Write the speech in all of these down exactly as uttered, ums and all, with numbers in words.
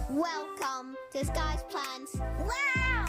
Welcome to Sky's Plans. Wow!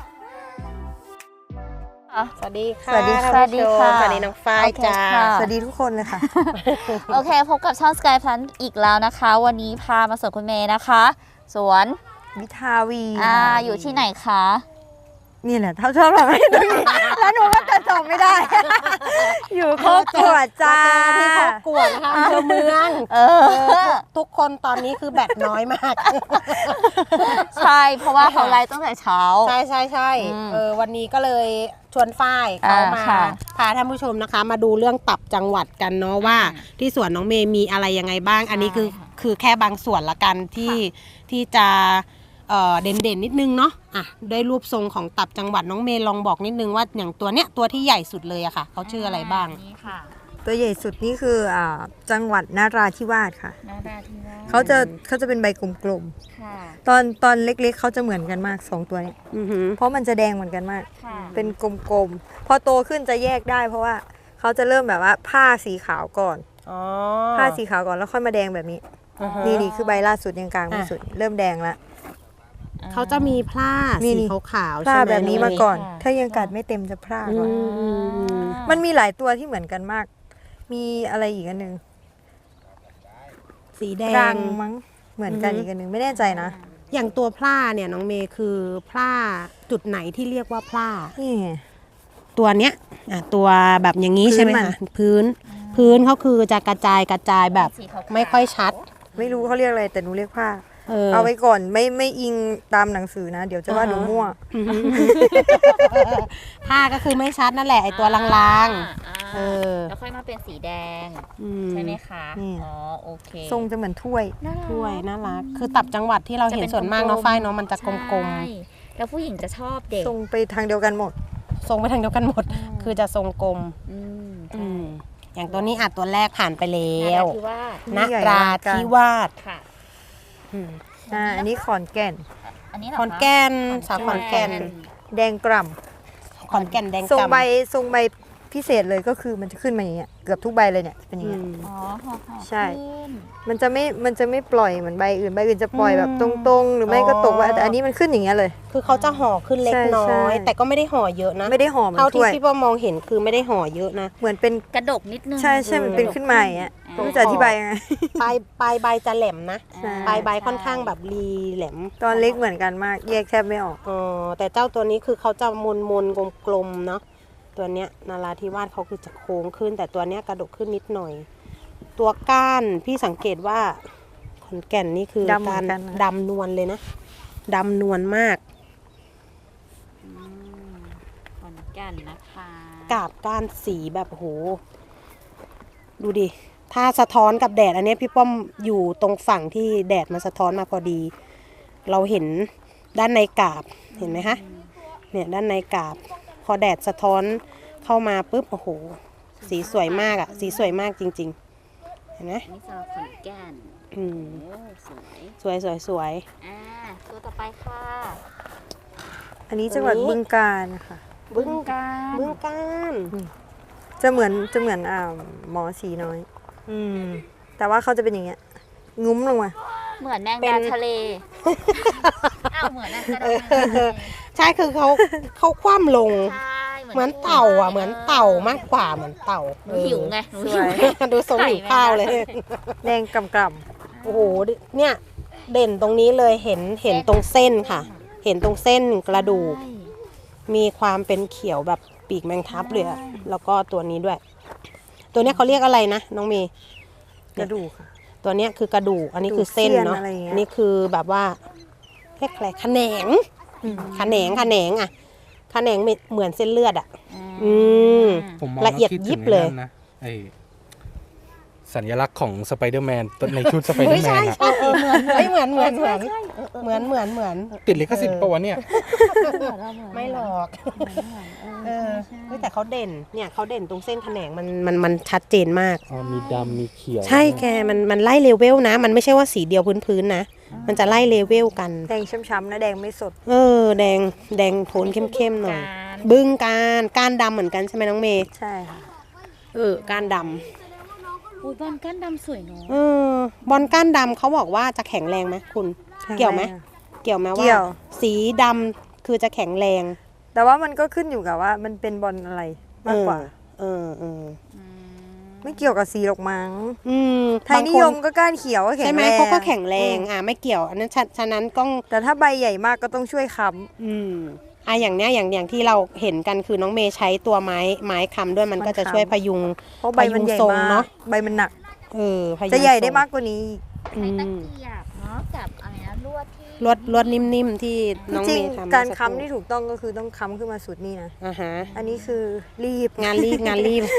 สวัสดีค่ะสวัสดีท่านสวัสดีผู้ชมค่ะสวัสดีน้องฝ้ายโอเคจ้าค่ะสวัสดีทุกคนเลยค่ะโอเคพบกับช่อง Sky Plan อีกแล้วนะคะ วันนี้พามาสวนคุณเมย์นะคะ สวนวิทาวีอ่าค่ะอยู่ที่ไหนคะนี่แหละเท่าชอบเราไม่ตรงนี้แล้วหนูก็จะจำไม่ได้ อยู่โคกกวดจ้าที่เขากวดนะคะอำเภอเมืองเออทุกคนตอนนี้คือแบตน้อยมากใช่ เพราะว่าเขาไลฟ์ตั้งแต่เช้าใช่ใช่ใช่อืมเออวันนี้ก็เลยชวนฝ้ายเขาอ่ามมาค่ะพาท่านผู้ชมนะคะ มาดูเรื่องตับจังหวัดกันเนาะว่า ที่สวนน้องเมย์มีอะไรยังไงบ้าง อันนี้คือค่ะคือแค่บางส่วนละกันที่ที่จะเอ่อเด่นเด่นๆนิดนึงเนาะอ่ะได้รูปทรงของตับจังหวัดน้องเมย์ลองบอกนิดนึงว่าอย่างตัวเนี้ยตัวที่ใหญ่สุดเลยอะค่ะเขาชื่ออะไรบ้างนี่ค่ะตัวใหญ่สุดนี่คืออ่าจังหวัดนราธิวาสค่ะนาดาที่ว่าเขาจะเขาจะเป็นใบกลมค่ะๆ ตอนตอนเล็กๆเขาจะเหมือนกันมากสองตัวเนี้ยอือหือเพราะมันจะแดงเหมือนกันมากค่ะเป็นกลมๆ พอโตขึ้นจะแยกได้ เพราะว่าเขาจะเริ่มแบบว่าผ้าสีขาวก่อนอ๋อผ้าสีขาวก่อนแล้วค่อยมาแดงแบบนี้อือฮะนี่นี่คือใบล่าสุดยังกลางไม่อ่ะสุด เริ่มแดงแล้วเขาจะมีผ้านี่สีนี่ขาวๆผ้าใช่ไหมแบบนี้มาก่อนค่ะถ้ายังกัดไม่เต็มจะพร่าอืก่อนมอืมอืมมันมีหลายตัวที่เหมือนกันมาก มีอะไรอีกอันหนึ่งสีแดรังงมั้ง เหมือนกันอือฮึอีกอันหนึ่งไม่แน่ใจนะอย่างตัวพร่าเนี่ยน้องเมย์คือพร่าจุดไหนที่เรียกว่าพร่านี่ไงตัวเนี้ยอ่ะตัวแบบอย่างนี้ใช่ไหมพื้นมันคะพื้น พื้นเขาคือจะกระจายกระจายแบบสีขาวๆไม่ค่อยชัดไม่รู้เขาเรียกอะไรแต่หนูเรียกผ้าเออเอาไว้ก่อนไม่ไม่อิงตามหนังสือนะ เดี๋ยวจะว่าหนูมั่วอือหือผ้าก็คือไม่ชัดนั่นแหละไอตัวลางอ่าๆเออแล้วค่อยมาเป็นสีแดงอืมใช่ไหมคะนี่อ๋อ โอเคทรงจะเหมือนถ้วยน่ารักถ้วยน่ารักคือตับจังหวัดที่เราเห็นส่วนมากเนาะฝ้ายเนาะมันจะกลมใช่แล้วผู้หญิงจะชอบเด็กทรงไปทางเดียวกันหมดๆทรงไปทางเดียวกันหมด คือจะทรงกลมอืมอืมอย่างตัวนี้อ่ะตัวแรกผ่านไปแล้แล้ว วที่ว่านนี่ใหญ่รามากกันธิวาสค่ะอืมอ่า อันนี้ขอนแก่นอันนี้เหรขออนคะแก่นสาวขอนแก่นแดงกล่ขอนแก่นแดงำทรงกำใบทรงใบพิเศษเลยก็คือมันจะขึ้นมาอย่างเงี้ย เกือบทุกใบเลยเนี่ยเป็นอย่างอืเงี้ยมอ๋อห่อห่อใช่ขึ้นมันจะไม่ มันจะไม่ปล่อยเหมือนใบอื่น ใบอื่นจะปล่อยอืมแบบตรงๆ หรือไม่ก็ตกว่าอ๋อแต่อันนี้มันขึ้นอย่างเงี้ยเลยคือเขาจะห่อขึ้นเล็กใช่น้ใช่อย แต่ก็ไม่ได้ห่อเยอะนะไม่ได้หอมเหมือเท่าน ที่ถ้วยพี่ป้อมองเห็นคือไม่ได้ห่อเยอะนะเหมือนเป็นกระดกนิดนึงใช่ใช่มันเป็นขึ้นมาอย่างเงี้ยไม่รู้จะอธิบายยังไงปลายปลายใบจะแหลมนะใช่ปลายใบค่อนข้างแบบรีแหลมตอนเล็กเหมือนกันมาก แยกแทบไม่ออกอ๋อแต่เจ้าตัวนี้คือเขาจะมนมนกลมกลมๆเนาะตัวเนี้ยนาราธิวาสเขาคือจะโค้งขึ้น แต่ตัวเนี้ยกระดกขึ้นนิดหน่อย ตัวก้านพี่สังเกตว่าขอนแก่นนี่คือดำเหมืกาอรนกันนะดำนวลเลยนะดำนวลมากอืมขอนแก่นนะคะกาบก้านสีแบบโหดูดิ ถ้าสะท้อนกับแดดอันเนี้ยพี่ป้อมอยู่ตรงฝั่งที่แดดมันสะท้อนมาพอดี เราเห็นด้านในกาบเห็นไหมคะเนี่ยด้านในกาบ พอแดดสะท้อนเข้ามาปุ๊บโอ้โหสีสวยมากอะสีสวยมากจริงๆเห็นไหมนี่สำหรับขอนแก่นอืมโอ้สวยสวยสวยสวยอ่าตัวต่อไปค่ะอันนี้จังหวัดบึงกาฬค่ะบึ้งกาฬบึ้งกาฬจะเหมือนจะเหมือนอ่าหมอสีน้อย อืม แต่ว่าเขาจะเป็นอย่างเงี้ย งุ้มลงมาเหมือนแมงดาทะเลอ้าวเหมือนแมงดาทะเลใช่คือเขาเขาคว่ำลงใช่เหมือนเต่าอ่ะเหมือนเต่ามากกว่าเหมือนเต่าหนูหิวไงหนูหิวสวยดูทรงหิวข้าวเลยแดงกำกโอ้โหเนี่ยเด่นตรงนี้เลยเห็นเห็นตรงเส้นค่ะ เห็นตรงเส้นกระดูก มีความเป็นเขียวแบบปีกแมงทับเลยอะแล้วก็ตัวนี้ด้วย ตัวเนี้ยเขาเรียกอะไรนะน้องเมย์ำกระดูกค่ะตัวเนี้ยคือกระดูกอันนี้คือเส้นเนาะกระดูกเสี้ยนอะไรอย่างเงี้ยอันนี้คือแบบว่าเรียกอะไรขะแหนงขะแหนงขะแหนงอะขะแหนงเหมือนเส้นเลือดอะอืมผมมองละเอียดแล้วคิยิบถึงเลยไอ้นั่นนะไอสัญลักษณ์ของสไปเดอร์แมนในชุดสไปเดอเฮ้ยร์แมใช่นอะใช่เฮ้ยเหมือนเหมือนเหมือนเหมือนเหมือนเหมือนติดลิขสิทธิ์ปะวะเนี่ยไม่หรอกเออเฮ้ยแต่เขาเด่นเนี่ยเขาเด่นตรงเส้นขะแหนงมันมันมันชัดเจนมากอ๋อมีดำมีเขียวใช่แกมันมันไล่เลเวลนะ มันไม่ใช่ว่าสีเดียวพื้นๆนะ มันจะไล่เลเวลกันแดงช้ำๆนะแดงไม่สดเออ แดงแดงโทนเข้มๆหน่อย บึ้งการก้านดำเหมือนกันใช่ไหมน้องเมย์ใช่ค่ะเออก้านดอุ้ยบอลก้านดำสวยเนาะำเออบอลก้านดำเขาบอกว่าจะแข็งแรงไหมคุณ เกี่ยวไหมแเกี่ยวไหมเกี่ว่ายวสีดำคือจะแข็งแรงแต่ว่ามันก็ขึ้นอยู่กับว่ามันเป็นบอลอะไรมากกว่าเออเออไม่เกี่ยวกับสีหรอกมั้งอืมไทยนิยมก็ก้านเขียวก็แข็ใช่งไหมแรงเขาก็แข็งแรงอืมอ่าไม่เกี่ยวอันนั้นฉะฉะนั้นต้องแต่ถ้าใบใหญ่มากก็ต้องช่วยค้อืมอ่ะอย่างเนี้ยอย่างอย่างที่เราเห็นกันคือน้องเมย์ใช้ตัวไม้ไม้ค้ำด้วยมันก็จะช่วยพยุงำเพราะใบมันใหญ่พยุงทรงมาเนอะกใบมันหนักเออพยุงจะใหญ่ได้ทรงมากกว่านี้อีกอืใช้ตะมเกียบเนาะกับอะไรนะลวดที่ลวดลวดนิ่มๆที่น้องจริเมงย์ทำๆการเมื่อสัค้ำที่ถูกต้องก็คือต้องค้ำขึ้นมาสุดนี่นะอ่าฮะอันนี้คือรีบงานรีบงานรีบ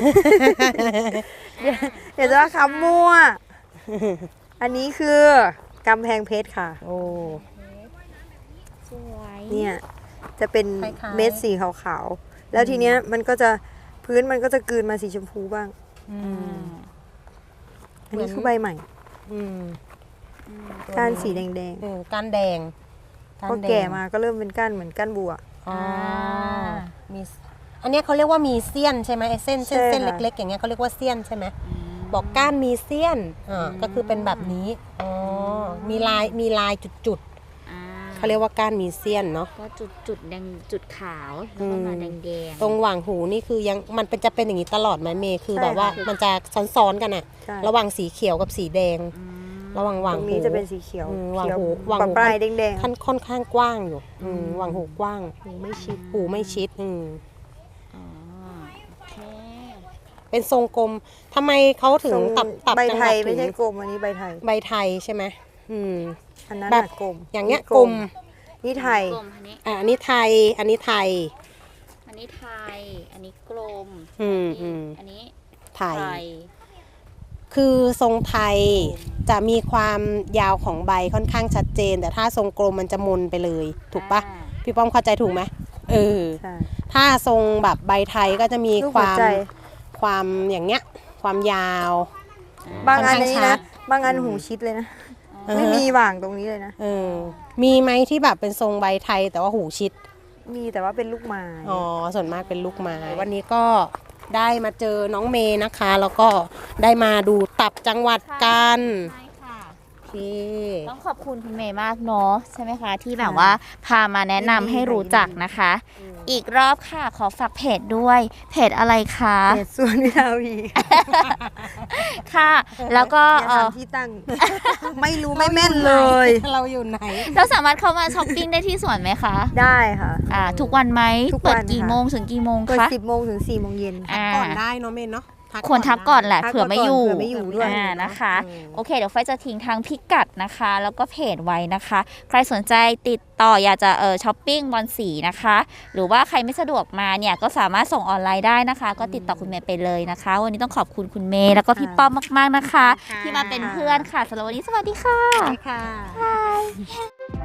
เดี๋ยวจะว่าค้ำมั่ว อันนี้คือกำแพงเพชรค่ะโอ้สวยเนี่ยจะเป็นคล้ายๆเม็ดสีขาวๆ แล้วทีเนี้ยมันก็จะพื้นมันก็จะกลืนมาสีชมพูบ้างอืมอันนี้คือใบใหม่อืมก้านสีแดงเออก้านแดงๆพอแก่มาก็เริ่มเป็นก้านเหมือนก้านบัวอ๋อมีอันเนี้ยเขาเรียกว่ามีเสี้ยนใช่ไหมไอ้เส้นเส้นใช่เส้นค่ะเล็กๆอย่างเงี้ยเขาเรียกว่าเสี้ยนใช่ไหมบอกก้านมีเสี้ยนอ่าก็คือเป็นแบบนี้อ๋อมีลายมีลายจุดๆเขาเรียกว่าก้านมีเสี้ยนเนาะก็จุดจุดแดงจุดขาวแล้วก็มาแดงแดงตรงหว่างหูนี่คือยังมันเป็นจะเป็นอย่างนี้ตลอดไหมเมย์คือแบบว่ามันจะซ้อนๆกันอะใช่ระหว่างสีเขียวกับสีแดง ระหว่างหว่างตรงหูนี้จะเป็นสีเขียวอืมหว่างเขียวหูหว่างหูปลายๆแดงค่อนค่อนข้างกว้างอยู่อืมหว่างหูกว้างๆหูไม่ชิดหูไม่ชิดอืมอ๋อโอเคเป็นทรงกลมทำไมเขาถึงทรงตับตับใบจังไทหวัดยถึไม่งใช่กลมอันนี้ใบไทยใบไทยใช่ไหมอืมอันนั้นแบบน่ะกลมอย่างเงี้ยนี่กลมนี่ไทยกลมอันนี้อ่ะอันนี้ไทย อันนี้ไทยอันนี้ไทย อันนี้กลมอืมอืมอันนี้ไทยไทยคือทรงไทยจะมีความยาวของใบค่อนข้างชัดเจน แต่ถ้าทรงกลมมันจะมนไปเลย ถูกปะอ่าพี่ป้อมเข้าใจถูกไหมเออใช่ถ้าทรงแบบใบไทยก็จะมีรูปคหัววามใจความอย่างเงี้ย ความยาวบางอันค่อนข้างนี้ชันะดบางอันหูชิดเลยนะอือฮะไม่มีหว่างตรงนี้เลยนะเออ มีไหมที่แบบเป็นทรงใบไทยแต่ว่าหูชิดมีแต่ว่าเป็นลูกไม้อ๋อ ส่วนมากเป็นลูกไม้ วันนี้ก็ได้มาเจอน้องเมย์นะคะ แล้วก็ได้มาดูตับจังหวัดกันใช่ค่ะโอเคต้องขอบคุณคุณเมย์มากเนาะใช่ไหมคะ ที่แบบว่าพามาแนะนำให้รู้จักนะคะ อีกรอบค่ะขอฝากเพจด้วย เพจอะไรคะเขตส่วนวิทาวีค่ะ แล้วก็อย่าเอถามอที่ตั้ง ไม่รู้ไม่แม่นเลยเราอยู่ไหนเราสามารถเข้ามาช้อปปิ้งได้ที่สวนไหมคะได้ค่ะอ่าทุกวันไหมทุกวันเปิดกี่ค่ะโมงถึงกี่โมงเปิดคะสิบโมงถึงสี่โมงเย็นอ่าก่อนได้เนาะเมย์เนาะควรทักก่อนแหละทักเผื่อไม่อยู่ก่อนเผื่อไม่อยู่ด้วยอ่านะคะอืมโอเค เดี๋ยวไฟจะทิ้งทางพิกัดนะคะ แล้วก็เพจไว้นะคะ ใครสนใจติดต่ออยากจะเออช้อปปิ้งบอลสีนะคะ หรือว่าใครไม่สะดวกมาเนี่ยก็สามารถส่งออนไลน์ได้นะคะ ก็ติดต่อคุณเมย์ไปเลยนะคะ วันนี้ต้องขอบคุณคุณเมย์แล้วก็พี่ป้อมมากๆนะคะ ที่มาเป็นเพื่อนค่ะสำหรับวันนี้สวัสดีค่ะค่ะ